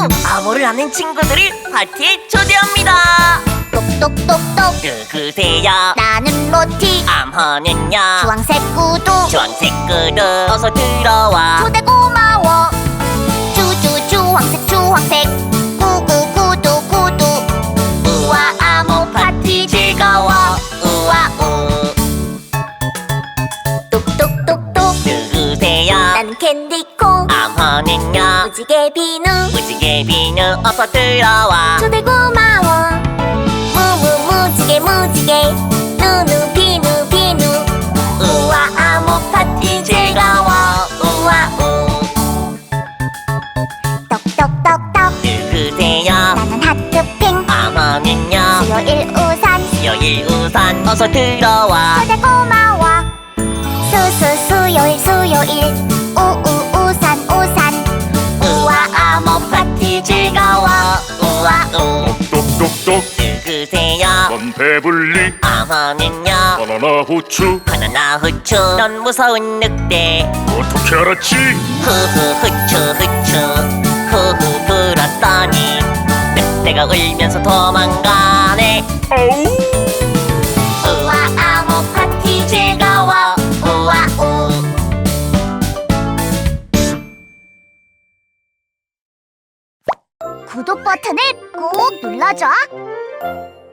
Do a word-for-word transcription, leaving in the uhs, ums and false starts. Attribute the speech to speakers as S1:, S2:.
S1: 암호를 아는 친구들을 파티에 초대합니다.
S2: 똑똑똑똑
S1: 누구세요?
S2: 나는 로티.
S1: 암호는요?
S2: 주황색 구두.
S1: 주황색 구두 어서 들어와.
S2: 초대 고마워. 주주 주황색 주황색 구구 구두 구두. 우와 암호 파티 즐거워. 우와 우. 똑똑똑똑
S1: 누구세요?
S2: 나는 캔디콩.
S1: 암호는요?
S2: 무지개 비누.
S1: 무지개 비누 어서 들어와.
S2: 초대 고마워. 무무 무지개 무지개 누누 비누 비누. 우와 암호 파티 즐거워. 우와 우. 똑똑똑똑
S1: 누구세요?
S2: 나는 하트핑.
S1: 암호는요?
S2: 수요일 우산.
S1: 수요일 우산 어서 들어와.
S2: 초대 고마워. 수수 수요일 수요일 우우 우산 우산. 우와 암호 파티 즐거워. 우와 우.
S3: 똑똑똑똑
S1: 누구세요?
S3: 넌 배불리
S1: 암호는요?
S3: 바나나 후추
S1: 바나나 후추 넌 무서운 늑대.
S3: 어떻게 알았지?
S1: 후후 후추 후추 후후 불었더니 늑대가 울면서 도망가네.
S3: 아우
S2: 우와 암호 파티 즐거워. 우와 우. 구독 버튼을 꼭 눌러줘.